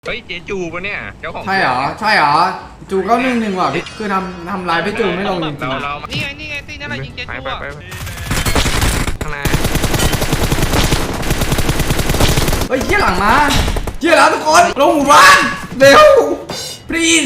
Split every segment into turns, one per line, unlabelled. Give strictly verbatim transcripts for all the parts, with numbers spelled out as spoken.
เฮ้ยเจจูปะเนี่ยเจ้าของ
ใช่เหรอใช่เหรอจูเก้าหนึ่งหนึ่งว่ะพี่คือทำทำลายพี่จูไม่ลงจริง
เราเรา
นี่ไงนี่ไงตีนั่นแหละยิงเจ
ไป
จู
ไป
อ่ะ
ไปข้างหน้า
ๆเฮ้ยเชี่ยหลังมาเชี่ยแล้วทุกคนลงหมู่บ้านเร็ว please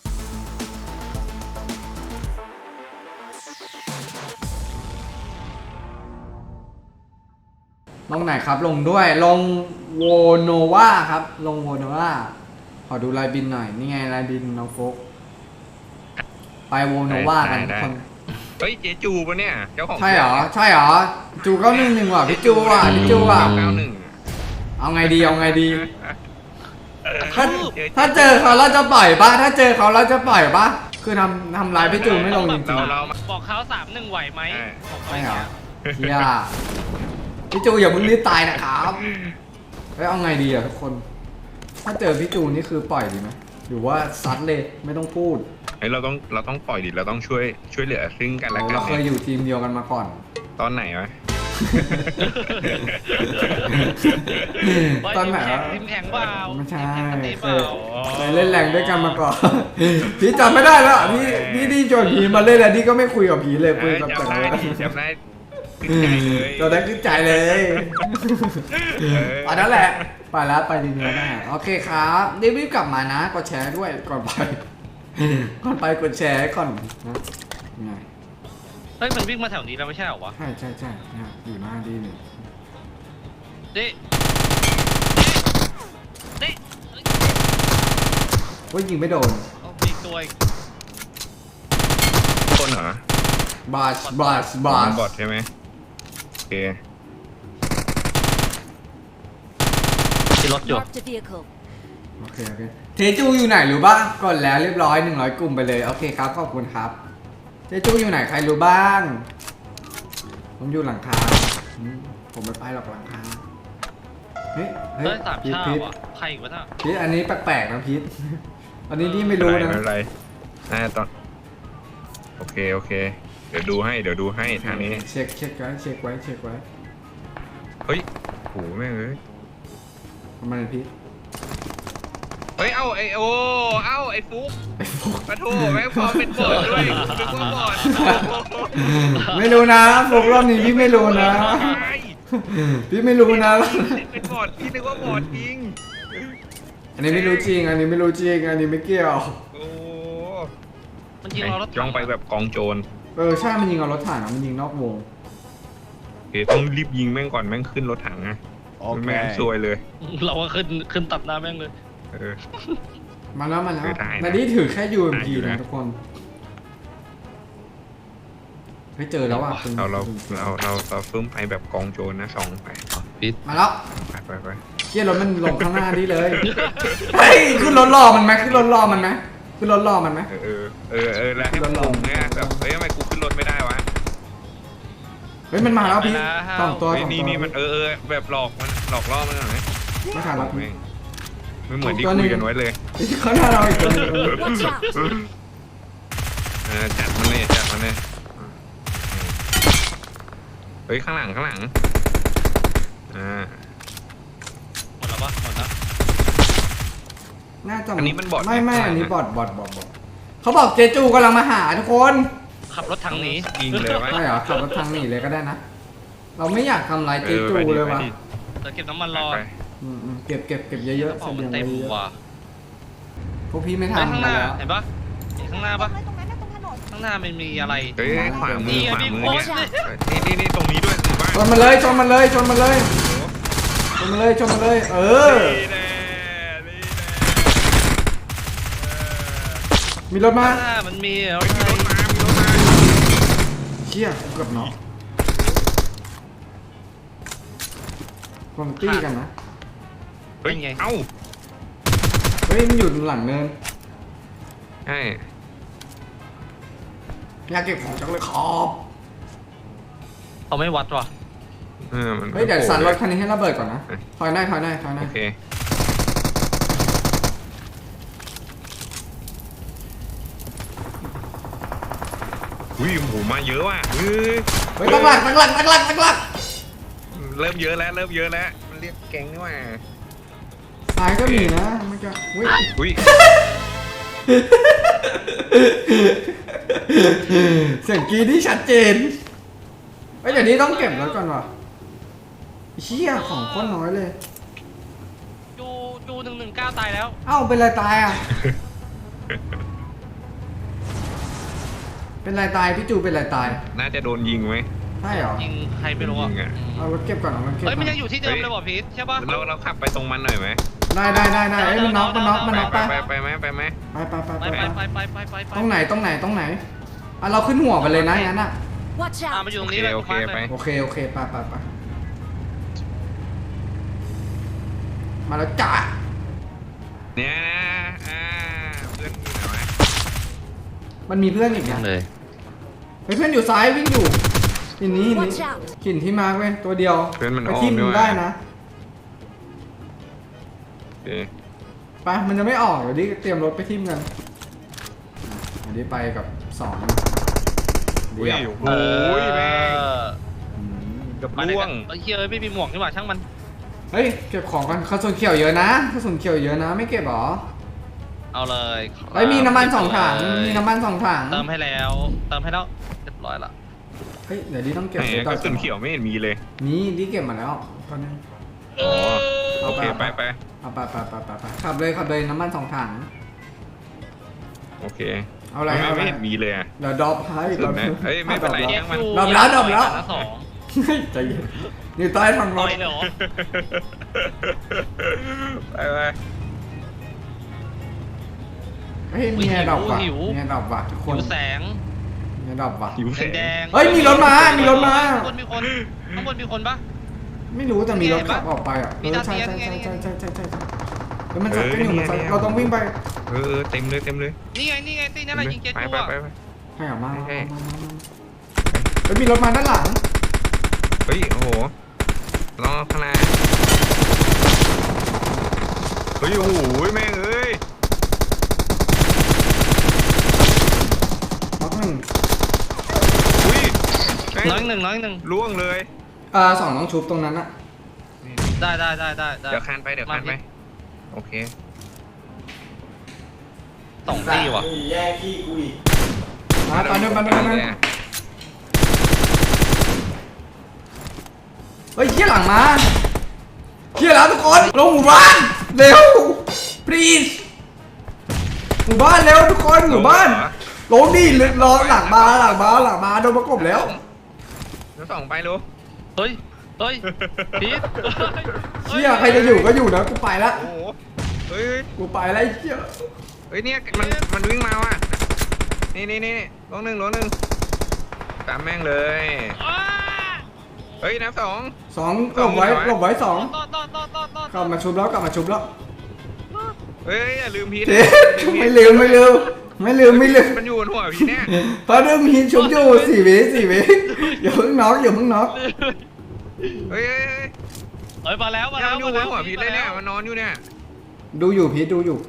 ลงไหนครับลงด้วยลงโวโนวาครับลงโวโนวาขอดูลายบินหน่อยนี่ไงลายบินน้องโฟกไปโวโนวากันทุกคน
เฮ้ยเจจูปะเนี่ยเจ้าของ
ใช่เหรอใช่เหรอจูเก้าหนึ่งหนึ่งว่ะพี่จูอ่ะพี่จูอ่ะ
เก้าหนึ่ง
เอาไงดีเอาไงดีถ้าถ้าเจอเขาเราจะปล่อยปะถ้าเจอเขาเราจะปล่อยปะคือทำทำลายพี่จูไม่ลงจริง
เราเรา
บอกเขาสามหนึ่งไหวไหม
ๆใช่เหรอเฮียพี่จูอย่าเพิ่งรีบตายนะครับเฮ้ยเอาไงดีอ่ะทุกคน ถ้าเจอพี่จูนี่คือปล่อยดีไหมหรือว่าซัดเลยไม่ต้องพูด
เฮ้ยเราต้องเราต้องปล่อยดิเราต้องช่วยช่วยเหลือซึ่งกันและกัน
เราเคยอยู่ทีมเดียวกันมาก่อน
ตอนไหนวะ
ตอนไหนวะ
ทีมแข่งเปล่า
ไม่ใช่
ทีม
เค
เปล่าย
เคยเล่นแรงด้วยกันมาก่อน พี่จำไม่ได้แล้วพี่พี่ดีโจนผีมาเล่นแล้วนี่ก็ไม่คุยกับผีเลยคุยกับแต่
จำได้
ละ
ดิจำได้ขึ้นใจเลย
ตอนนั้นขึ้นใจเลยตอนนั้นแหละไปแล้วไปดีเนื้อได้โอเคครับรีบๆกลับมานะกดแชร์ด้วยก่อนไป ก่อนไปกดแชร์ก่อนนะไง
เฮ้ยมันวิ่งมาแถวนี้แล้วไม่ใช่เหรอวะ
ใช่ใช่ใช่เนี่ยอยู่หน้าดีหนึ่ง
เด็เด็
ว่ายิงไม่โดน
มีตัวอีก
คนเหรอบ
าสบาสบาส
บอทใช่ไหมโอเค
ที่รถอยู่
Marked a vehicle.
โอเคโอเคเทจูอยู่ไหนรู้บ้างกดแล้วเรียบร้อยหนึ่งร้อยกลุ่มไปเลยโอเคครับขอบคุณครับเทจูอยู่ไหนใครรู้บ้างผมอยู่หลังคาอืมผมไม่ไปหรอกหลังคาเฮ้ยเฮ้ย
เฮ้ยสาม
พีท
ชา
พีท
ว่ะใครอีกวะน่ะ
พีทอันนี้แปลกๆนะพีทอันนี้นี่ไม่รู้
ไม่
นะ
เป็นไรอ่าตอนโอเคโอเค เดี๋ยวดูให้เดี๋ยวดูให้ทางนี้
เช็คเช็คไว้เช็คไว้เช็คไว้
เฮ้ยโหแม่งเอ้ย
ทำไมพีท
เฮ้ย เอ้าไอโอเอ้าไอฟุก
ไอ้พวก
ปะโถแม่งพอเป็นบอดด้วยนึกว่าบอด
ไม่รู้นะพวกรอบนี้พี่ไม่รู้นะ พี่ไม่รู้นะ
เป็นบอดพี่นึกว่าบอดจริง
อันนี้ไม่รู้จริง อันนี้ไม่รู้จริง อันนี้ไม่เกี่ยว
โอ้
มันยิงเรารถ
จ้องไปแบบกองโจร
เออใช่มันยิงเอารถถังอะมันยิงนอกวง
โอเคต้องรีบยิงแม่งก่อนแม่งขึ้นรถถังนะแม่งซวยเลย
เราก็ขึ้นขึ้นตัดหน้าแม่งเลย
เออ
มาแล้วมาแล้ว
คือได้นะ
นานี้ถือแค่ ยู เอ็ม
ได้
พี
อยู่
นะ
นะ
ทุกคนเฮ้ยเจอแล้วอ่ะคุณ
เราเราเราเราเราฟื้มไปแบบกองโจรนะสองไป
ปิด
มาแล้ว
ไปไปไป
เชี่ยรถมันลงข้างหน้านี่เลย เฮ้ยขึ้นรถรอมันไหมขึ้นรถรอมันไหมขึ้นรถรอมันไหม
เออเออเออเออแล้วให้มันลงเนี่ยแบบเฮ้ยทำไมกูขึ้นรถไม่ได้วะ
เฮ้ยมันมาแล้วพี่สองตัว
เฮ้ย
สอง
นี่
ตัว
นี่มันเออเออแบบหลอกมันหลอกล่อมันหน่อยไหม
ไม่ทันแล้วพี่
แม่งไม่เหมือนที่คุยกันไว้เลย
ข้างหน้าเราอีกตัวหนึง
Watch out!
เออจัดมันเลยจัดมันเลยเฮ้ยข้างหลังข้างหลังอ่า
หมดแล้วปะหมดแล้ว
น่าจะ
อันนี้มันบอท
ไม่ไม่
ไหม
อันนี้บอดบอดบอดบอดเขาบอกเจจูกำลังมาหาทุกคน
ขับรถทางนี้
ยิงเลยวะ
ใช่เหรอขับรถทางหนีเลยก็ได้นะ เราไม่อยากทำลายเจจู
ออไปดิ
เลยวะ
ไปดิ
เราเก็บน้ำมันรอ
ไป
อืมอืมเก็บเก็บเก็บเยอะๆ
กระ
เส
เป๋ามัน
บียง
เต็ม
ไว้เยอะ
ว่ะ
พวกพี่ไม่
เฮ้ย
ทำ
ข้างห
กัน
น้า
แล้ว
เห็นปะเห็นข้างหน้าปะ
ตรงนั้นนะตรงถนน
ข้างหน้ามันมีอะไร
เฮ้ยขวามื
นี่
อ
ไง
ขวา
พี่
มือ
โค้
เนี่ย
ช
นี่นี่นี่ตรงนี้ด้วยถือว่า
ชนมันเลยชนมันเลยชนมันเลยชนมันเลยชนมันเลย เออ
นี่แน่นี่แน่
มีรถมา
ข้างหน้ามันมีอะไร
เฮ้ยมีรถมามีรถมา
เชี่ยกูเกือบเนาะคนตี้กันนะ
เฮ้ยเอ้า
เฮ้ยมันอยู่หลังเนิน
ใช่
อยากเก็บของจังเลยขอบ
เขาไม่วัดว่ะ
เออมัน
เฮ้ยเดี๋ยวสั่นรถคัน
โ
นี้ให้ระเบิดก่อนนะ
เอ้ย
ถอยได้ถอยได้ถอยได้
อเคอุ้ยโหมาเยอะว่ะเฮ้ย
เฮ้ยตั้งหลักตั้งหลักตั้งหลักตั้งหลัก
เริ่มเยอะแล้วเริ่มเยอะแล้วมันเรียกแก๊งนี่ว่า
ตายก็มีนะมันจะอุ้ย
อุ้ย
เสียงกรีดที่ชัดเจนไอ้ยเดี๋ยวนี้ต้องเก็บแล้วก่อนว่ะเชี่ยของโคนน้อยเลย
จูจูหนึ่งหนึ่งเก้าตายแล้ว
เอ้าเป็นไรตายอ่ะ เป็นไรตายพี่จูเป็นไรตาย
น่าจะโดนยิงไหม
ใช่เหรอ
ยิงใครไม่รู้อ่ะ
ยิงอะ
เอารถเก็บก่อนเอารถเก็บก่
เฮ้
อย น
มันยังอยู่ที่เดิมเลยว่ะพีทใช่ปะ
เราเราขับไปตรงมันหน่อยไหม
ได้ได้ได้ได้เอ้ยมันน็อกมันน็อกมันน็อก
ไป
ไป
ไปไปไหมไปไหม
ไปไปไป
ไป
ไป
ไป
ไป
ไปไปไปไป
ตรงไหนตรงไหนตรงไหนอ่ะเราขึ้นหัวไปเลยนะงั้นอ่ะ
Watch
อ่า
out!
มาอยู่ตร
โอง เค
นี้เลย
โอเคไป
โอเคโอเคไปไปไปมาแล้วจ้า
เนี่ยนะอ่าเพื่อนอยู่ไหนวะ
มันมีเพื่อนอีกนะ
เลย
เฮ้ยเพื่อนอยู่ซ้ายวิ่งอยู่หินนี้หินนี้
Watch out!
หินที่มาร์คเว้ยตัวเดียว
เพื่อนมัน
ไป
อ้อ
ทิ่
ม
ม
ด้วย
ได้นะ
โอเค
ไปมันจะไม่ออกเดี๋ยวดิเตรียมรถไปทิ่มกันเดี๋ยวดิไปกับสอง
อุ้ย
เดี๋ยว
โอ้ยแม่ง
อืม
เกับ
ไปไหน
ล่ว
กั
ง
นเฮ้ยเฮ้ยไม่มีหมวกนี่หว่าช่างมัน
เฮ้ยเก็บของกันกระสุนเขียวเยอะนะกระสุนเขียวเยอะนะไม่เก็บหรอ
เอาเลย
เฮ้ยมีน้ำมันสองถังมีน้ำมันสองถัง
เติมให้แล้ว เติมให้แล้วเรียบร้อยละ
เฮ้ยเดี๋ยวดิต้องเก็บ
แหม
ไว้
ก
ก่อ
ระสุนเขียวไม่เห็นมีเลย
นี่ดิเก็บมาแล้วตอนนี้
อ๋อโอเคไปไป
เอาไปไปไปไปไปขับเลยขับเลยน้ำมันสองถัง
โอเค
เอาอะไร
ไม่
เอาอะไร
ไม่เห็นมีเลยอะ
เดี๋ยวดรอปให้
สุดนะเอ้ยไม่เป็นไร
ดรอป
แยกอยู่
ดรอปแล้วดรอปแล้ว
ละสอง
เฮ้ยใจเย็นอยู่ใต้ท้องร
ต่อ
ถ
ยเลยเหรอ
ไปไป
เฮ้ยมีแอร์ดรอปว่ะมีแอร์ดรอปว่ะทุกค
หิ
น
วแสง
มีแอร์ดรอปว่ะ
หิวแสง
แดงๆ
เฮ้ยมีรถมามีรถมา
ข้างบนมีคนข้างบนมีคนปะ
ไม่รู้แต่มีรถ
เห็นปะ
ขับออกไปอ่ะ
มี
เออ
ดาว
ใช่
เทียม
ใช่
นี่ไง
ใช่
นี่ไง
ใช่ใช่ใช่ใช่แล้วมันสับกันอยู่มันสับเราต้องวิ่งไป
เออเออเต็มเลยเต็มเลย
นี่ไงนี่ไงตีนั่นแหละยิงเจ็ต
ไป
กู
ไป
อ่ะ
ไปไป
ให้ออกมา
ใช่
มามามาเฮ้ยมีรถมาด้านหลัง
เฮ้ยโอ้โหรอข้างหน้าเฮ้ยโอ้โหแม่งเอ้ย
น็อกหนึ่ง
อุ้ยแม่ง
น้อยหนึ่งน้อยหนึ่ง
ล่วงเลย
อ่าสองน้องชุบตรงนั้นอะ
ได้ได้ได้ได้ได้
เดี๋ยวคานไปเดี๋ยวคานไปโอเค
สองตีว่ะ
มาตอนนี้มาตอนนี้เฮ้ยเชี่ยหลังมาเชี่ยแล้วทุกคนลงหมู่บ้านเร็ว please หมู่บ้านเร็วทุกคนหมู่บ้านลงดิรอหลังมาหลังมาหลังมาโดนประกบแล้ว
เดี๋ยวส่องไปลูก
เฮ้ยเฮ้ยพีท
เชี่ยใครจะอยู่ก็อยู่นะกูไปละ
โอ้โหเฮ้ย
กูไปละไอ้เชี่ย
เฮ้ยเนี่ยมันมันวิ่งมาว่ะนี่นี่นี่ลงหนึ่งลงหนึ่งตามแม่งเลย
อ้า
เฮ้ยนับสอง
สองหลบไว้หลบไว้สอง
ต่อต่อต่อต่อต่อก
ลับมาชุบแล้วกลับมาชุบแล้ว
เฮ้ยอย่าลืมพีท
เจ๊ไม่ลืมไม่ลืมไม่ลืมไม่ลืม
มันอยู่บนหัวพีเนี่ย
เพราะเรื่องมีชุบอยู่สี่วิสี่วิอย่าเพิ่งน็อกอย่าเพิ่งน็อก
เฮ้ยเฮ้ยเฮ้ย
เฮ้ยมาแล้วมา
เนี่ย
แล้ว
มันอยู่บนหัวพีทเลยเนี่ยมันนอนอยู่เนี่ย
ดูอยู่พีทดูอยู่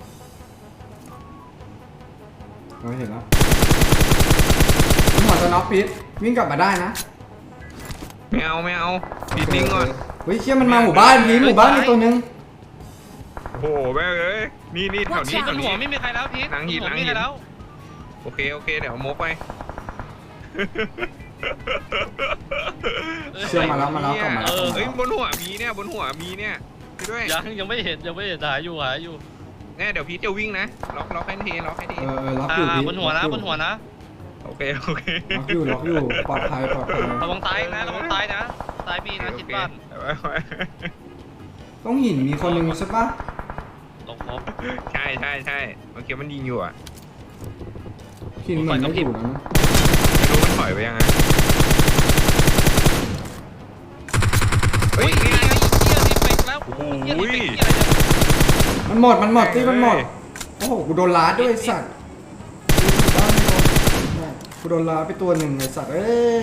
เราเห็นแล้วผมหมอจะน็อกพีทวิ่งกลับมาได้นะ
ไม่เอาไม่เอาพีทนิ่งก่อน
เฮ้ยเชี่ยมันมาหมู่บ้านพีทหมู่บ้านมีตัวนึง
โอ้โหแม่งเอ้ยนี่นี่แถวนี้
บ
แถ
น
ว
หั
นี้
วไม่มีใครแล้วพีท
หลังหิน
บหัว
หลัง
ไม่
หิน
มีใครแล้ว
โอเคโอเคเดี๋ยวเอามกไป
เชื่อมาแล้วมาแล้วกลับมาแล้ว
เฮ้ยบนหัวมีเนี่ยบนหัวมีเนี่ยไปด้วย
ยังยังไม่เห็นยังไม่เห็นหาอยู่หาอยู่
เนี่ยเดี๋ยวพีทจะวิ่งนะล็อกล็อกให้ทีล็อกให้ที
เออเออล็อก
อ่า
อยู่พีท
บนหัวนะ
ล็อกอยู่
บนหัวนะ
โอเคโอเค
ล็อกอยู่ล็อกอยู่ปลอดภัยปลอดภัย
ระวังตายนะระวังตายนะตายมีนะชิดบ้าน
ต้องหินมีคนนึงใช่ปะ
ลงครบ
ใช่ใช่ใช่เมื่อกี้มันยิงอยู่อ่ะ
หินเหมือนไม่อยู่แล้วนะ
ไม่รู้มันถอยไปยังไงเฮ้
เฮ้
ย
ย
นี่
นี่
ไง
ไงเฮียรีเฟกแล้ว
โอ้โห
เฮียรีเฟกเฮียอะไรเนี่ย
มันหมดมันหมดที่มันหมดโอ้โหกูโดนลาดด้วยไอ้สัตว์กูโดนลาดไปตัวหนึ่งไอ้สัตว์เอ้ย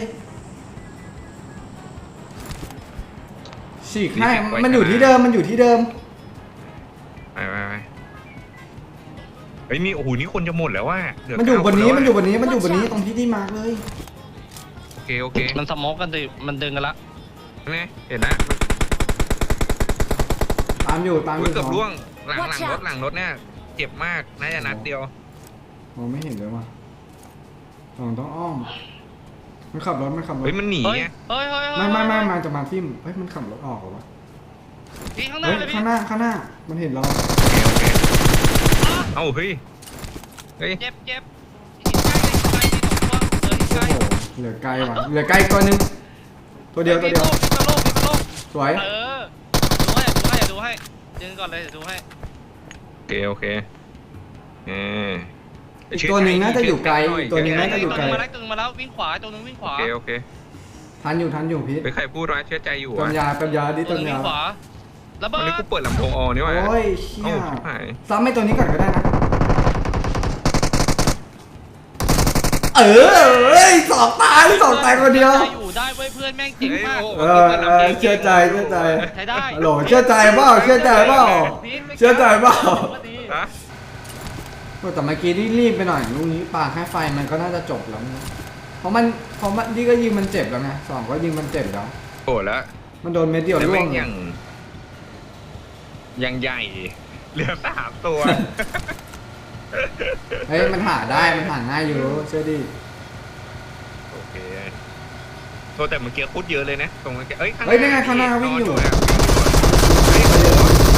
ฉีกให้มันอยู่ที่เดิมมันอยู่ที่เดิม
ไปไปไปเฮ้ยนี่โอ้โหนี่คนจะหมดแล้วว่ะเหลื
มันอยู่บนนี้
เก้าค
มัน
แล้วะ
อยู่บนนี้มันอยู่บนนี้ตรงที่ที่มาร์กเลย
โอเคโอเค
มันสโมอกกันดิมันดึงกันละ
นี่เห็นนะ
ตามอยู่ตามอ
อุ้ย
ยู่
เกือบ
สอง
ร่วงหลังหลังรถหลังรถเนี่ยเจ็บมากน่าจะนัดเดียว
มองไม่เห็นเลยว่ะสองต้องอ้อมมันขับรถมันขับรถ
เฮ้ยมันหนี
เฮ้ย
ไง
เฮ้ยเฮ้ย
ไม่ไม่ไม่มาจะมาทิ่มเฮ้ยมันขับรถออกเหรอวะ
พี่ข้างหน้า
เฮ้ย
เลยพี่
ข้างหน้าข้างหน้ามันเห็นเรา
โอเคโอเคเอ้าเฮ้ยเฮ้ย
เจ็บเจ็บหินใกล้หินใกล้ที่สองตัวเหลือหินใก
โอ้
ล้
โหเหลือไกลว่ะเหลือไกลตัวหนึงตัวเดียวตัวเดียว
พี่โลกพี่โลก
สวย
เออดูให้ดูให้ดูให้ยืนก่อนเลยเดี๋ยวดูให้
โอเคโอเคเออ
อีกตัวหนึ่งน่าจะอยู่ไกลอีกตัวหนึ่งน่าจะอยู่
ตัว
ไกล
นึงมาแล้วตัวนึงมาแล้ววิ่งขวาตัวนึงวิ่งข
โอ
วา
เคโอเค
ทันอยู่ทันอยู่พีท
ไปใครพูดว่าเชื่อใจอยู่
เติ
วะ
มยาเติมยาดิ
ตั
เติ
วนึ
ม
งวิ่
ยาง
ขวาระ
วัน
เบิ
นี้
ด
กูเปิดลำโพงออนี่หว่า
โอ้ยเชี่
เอ้าย ชิบหาย
ซ้ำไอ้ตัวนี้ก่อนก็ได้นะเออเอ้ยสองตายสองตายคนเดียว
อยู่ได้เว้ยเพื่อนแม่งเจ๋งมาก
เออเออเชื่อใจเชื่อใจ
ใช้ได้
ฮัลโหลเชื่อใจเปล่าเชื่อใจเปล่าเชื่อใจเปล่า
ฮะ
แต่เมื่อกี้ที่รีบไปหน่อยลูกนี้ปาแค่ไฟมันก็น่าจะจบแล้วนะเพราะมันเพราะมันนี่ก็ยิงมันเจ็บแล้วไงสองก็ยิงมันเจ็บแล้ว
โกรธแล้ว
มันโดนเม็ดเดียว
แต่
ร่ว
แม่
ง
งยังยังใหญ่เหลือสามตัว
เฮ้ยมันหาได้มันหาง่ายอยู่เชื่อดิ
โอเคโทษแต่เมื่อกี้พูดเยอะเลยนะตรงเมื่อกี้เอ้ย
เฮ้ยนี่ไงข้างหน้าวิ่งอยู่
เฮ้ยโอ้โห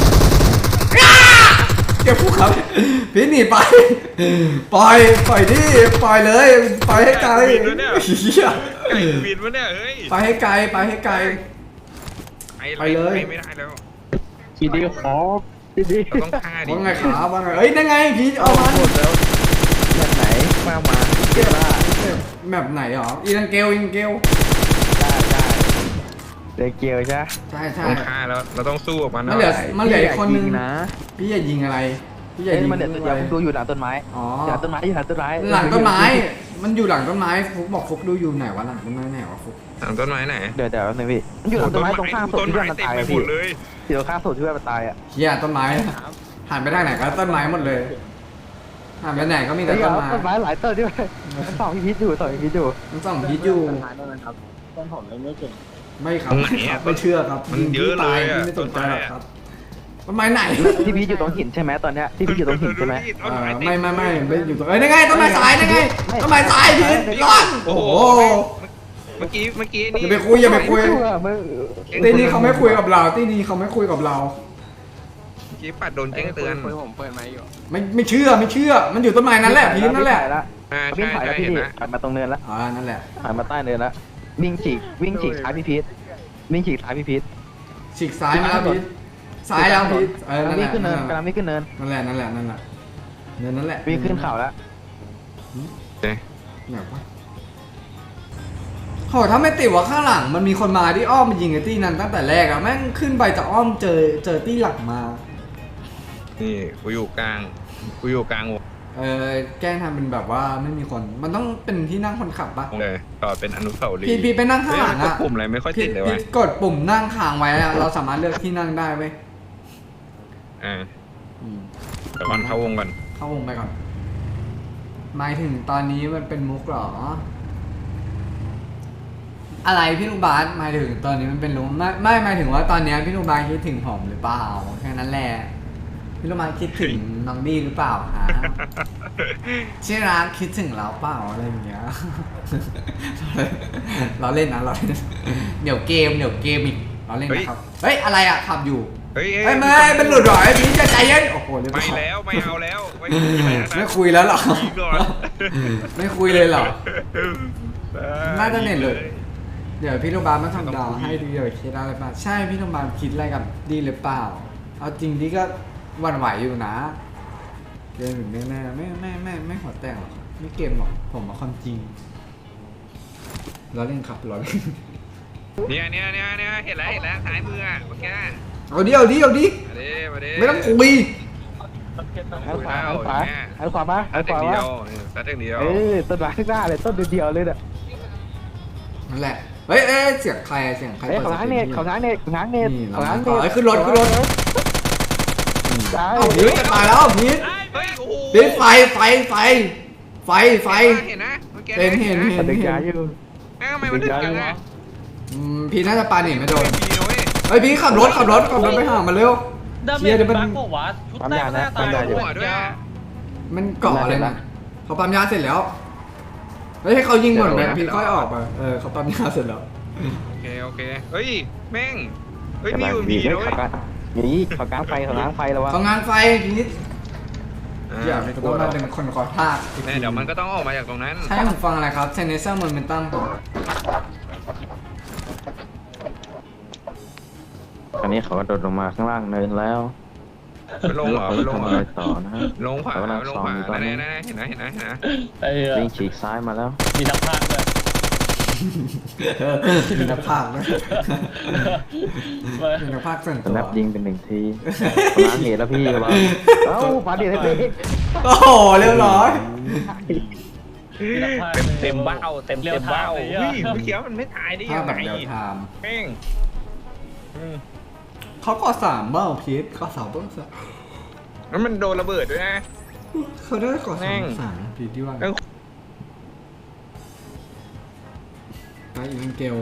เก็บผู้ขับพี่หนีไปปล่อยปล่อยดิปล่อยเลยไปให้ไกลเฮีย
ไก่บินวะเนี่ยเฮ้ย
ไปให้ไกลไปให้ไกล ไปเลย
ไม่ได้แล้ว
ทีดีขอทีดี
เราต้องฆ่าดิ
ว่าไงขาว่าไงเอ้ยนั่นไงพี่เอามัน
หมดแล้วแบบไหนมามา
เก็บเก็บแมปไหนหรออีลังเกลอีลังเกล
ได้ได้เดเกียวใช่
ใช่ใช่
ต้องฆ่าแล้วเราต้องสู้กับมัน
มันเหลือ
หอย
มันเหลืออีกคนนึง
พี่อย่ายินะ
พี่อย่ายิงอะไรพี่อย่า
เอ้ย
ยิง
มันเดี๋ยว
อะ
เดี๋ยว
ไร
ผมดูอยู่หลังต้นไม้
อ๋อ
หลังต้นไม้อยู่หลังต้นไม้
หลังต้นไม้ มันอยู่หลังต้นไม้ฟุกบอกฟุกดูอยู่ไหนวะหลังต้นไม้ไหนวะฟุก
หลังต้นไม้ไหน
เดี๋ยวเดี๋ยวนึงพี่มันอยู่หลังต้นไม้ตรงข้างศพ
ต้น
ที่
ไม้
เพื่อนมัน
เต็ม
ตาย
ไป
อะ
หม
พี่
ดเลย
ที่ตรงข้างศพที่เพื่อนมันตายอ่ะ
เฮียต้นไม้หันไปทางไหนก็ต้นไม้หมดเลยหันไปไหนก็มีแต่
เดี๋ยว
ต้นไม้
ต้นไม้หลายต้นด้วยมันสองพี่พิษอยู่สองพี่พิษอยู่
มันส่องพีทอยู่
ต้นผมเลยไม่เก่ง
ไม่ครับ
ตรงไหนอะ
ไม่เชื่อครับ
มันเยอะเลย
พี่
อะ
ไม่สนใจหรอก
ต้นไม้อะ
ครับต้นไม้ไหน
ที่พิษอยู่ตรงหินใช่ไหมตอนเนี้ยที่พิษอยู่ตรงหินใช่ไหม
เออไม่ไม่ไม่ไม่อยู่ตรงเอ้ยนั่นไงต้นไม้สายนั่นไงต้นไม้สายพีทรอด
โอ้
โอ้
โห
โห
เมื่อกี้เมื่อกี้
อ
นี่
ย่าไปคุยอย่าไปคุย
มึง
ตีนี้เขาไม่คุยกับเราตีนี้เขาไม่คุยกับเรา
เมื่อกี้ปัดโดนแจ้งเตือน
ผมเปิดไม้อยู่
ไม่ไม่เชื่อไม่เชื่อ มันอยู่ต้นไม้นั่นแหละพีทนั่นแหละ
อ่า
วิ่
ใช่
งถ่าย
ใช่
แล้วพี่
เห็น
ดิ
นะ
ผ่านมาตรงเนินแล้ว
อ่านั่นแหละ
ผ่านมาใต้เนินแล้ววิ่งฉีกวิ่งฉีกซ้ายพี่พีทวิ่งฉีกซ้ายพี่พีท
ฉีกซ้ายมาแล้วพีทซ้ายแล้วพีทเออนั่นแห
วิ่ง
ละ
ขึ้นเนิน
นั่นแห
กำลั
ละ
งวิ่งขึ้นเนิน
นั่นแหละนั่นแหละนั่นแหละเนินนั่นแหละ
วิ่งขึ้นเขาแล้ว
เอ๊ะ
ไหนวะโหถ้าไม่ติดว่าข้างหลังมันมีคนมาที่อ้อมมายิงไอ้ตี้นั้นตั้งแต่แรกอะแม่งขึ้นไปจะอ้อมเจอเจอตี้หลักมา
นี่กูอยู่กลางกูอยู่กลางวง
เออแกล้งทำเป็นแบบว่าไม่มีคน มันต้องเป็นที่นั่งคนขับปะ
เลยต่อเป็นอนุสาวรีย์
พี่พี่ไปนั่งข้างหลัง
เฮ้ยมัน
อะ
กดปุ่มอะไรไม่ค่อย
พี่
ติดเลย
พี่
วะ
กดปุ่มนั่งค้างไว้อะเราสามารถเลือกที่นั่งได้เว้ย
อ่า
อืม
เดี๋ยวก่อนเข้าวงก่อน
เข้าวงไปก่อนหมายถึงตอนนี้มันเป็นมุกเหรอ อะไรพี่ลูกบาสหมายถึงตอนนี้มันเป็นลุงไม่ไม่หมายถึงว่าตอนเนี้ยพี่ลูกบาสคิดถึงผมหรือเปล่าแค่นั้นแหละพี่ลูกบาสคิดถึงน้องดีหรือเปล่าฮะชื่อร้านคิดถึงเราเปล่าอะไรอย่างเงี้ย เราเล่นนะเราเล่นเดี๋ยวเกมเดี๋ยวเกมอีกเราเล่นนะครับเฮ้ยอะไรอะขับอยู่
เฮ้ย
เฮ้ยไม่เป็นหลุดหรอไอ้พี่จะใจเย็นโอ้โหเรียบร้
ไม่
อย
แล้วไม่เอาแล้วไม่คุยอะไรแล้วนะ
ไม่คุยแล้วเหรอ
ยิงก่อน
ไม่คุยเลยเหรอ น่าจะเน็ตเลย เดี๋ยวพี่โรงพยาบาลมาทำดาวให้ดีเดี๋ยวคิดอะไรบ้างใช่พี่โรงพยาบาลคิดอะไรกับดีหรือเปล่า เอาจริงดีก็หวั่นไหวอยู่นะ เกมแบบแน่ๆไม่ไม่ไม่ไม่หัวแตกหรอกไม่เกมหรอกผมเอาความจริงเราเล่นครับเราเล่น
เนี่ยเนี่ยเนี่ยเนี่ยเห็นแล้วเห็นแล้วซ้ายมืออ่ะเมื่อกี้
เอาดิเอาดิเอาดิ
มาดิมาดิ
ไม่ต้องคุย
หันขวาหันขวาหันขวามาหั
ซั
น
ด
ข
เดี
วา
ยว
มา
ซัดเดียว
เอ้ยต้นไม้ข้างหน้าเลยต้นเดียวเลยเนี่ย
นั่นแหละเฮ้ยเอ้ยเสียงใครอะเสียงใคร
เอ้ย
ปิด
เขาง้างเน็ตเขาง้างเน็ตเขาง้างเน็ต
นี่เรา
เขาง้าง
ขอ
เน็ต
ให้ขึ้นรถขึ้นรถ
ใช่
เอ้าพีทจะตายแล้วพีท
เฮ้ยโอ้โห
พีทไฟไฟไฟไฟไฟ
เห็นนะเมื่อกี้
เห็นเห็นเห็น
เด็กยาอยู่
แม่งทำไมมันดึงจังอ่ะ
อืมพีทน่าจะปาหนีไม่โดน
ไม่มีนะเว้ย
เฮ้ยพีทขับรถขับรถขับรถไปหามาเร็ว
ดาเม
เชี่ย
จ
เดี๋ยวมัน
บักบอกว่าชุดแรกหน้าตาย
หัวด้วย
มันเกาะอะไรนะเขาปั๊มยาเสร็จแล้วเฮ้ยให้เขายิงหมดแม็กพี่ค่อยออกมาเออเขาปั๊มยาเสร็จแล้ว
โอเคโอเคเฮ้ยแม่งเฮ้ย
กำ
มี
ลัง
อยู่
มี
มี
เฮ้ย
ด้วย
เขากางนี่เขากางไฟเขากางไฟแล้ววะ
เขางานไฟพีท
อ่า
อย่าไปต้องมาเป็นคนขอทาก
แน่เดี๋ยวมันก็ต้องออกมาจากตรงนั้น
ใช่ผมฟังอะไรครับเซนเนเซอร์โมเมนตัม
อันนี้เขากระโดดลงมาข้างล่างเนินแล้ว
ไปลงเหรอไปลง
ทำ
เหร
อะไร
อ
ต่อนะฮะ
ลงขวา
เขากำลัง
ลง
ซ้อ
ข
ม
วา
อยู่ตอน
แน่
นี้
แน่เห็นไหมเห็นไหมเห็นไหม
ไอ้เหี้ย
วิ่งฉีกซ้ายมาแล้ว
มีทั้งภาคเลย
มีนักภาคนะมีนักภาคส่วน
ส
ตัว
แนปยิงเป็นหนึ่งทีล้างเหตุแล้วพี่ระวังเอ้าปาดีให้พี่
โอ้โหเรียบร้อย
มีทั้งภาค
เต็มเต็มเบ้าเต็ม
เรีย
เต็
ว
ม
ทาง
เบ้า
เลย
เฮ้ย
อะ
เมื่อกี้มันไม่ตายได้
ภา
ยั
พ
ง
แบบ
ไง
เดียวไทม์
แม่งอืม
เขาก่อสามเบ้าพีทก่อสามเบ้าสาม
แล้วมันโดนระเบิดด้วยนะ
เขาได้ก่อ
แม่
สาม
ง
สามพีทที่ว่า
เอ้า
ไปอีกเกล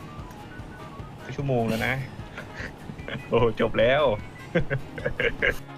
ชั่วโมงแล้วนะ โอ้จบแล้ว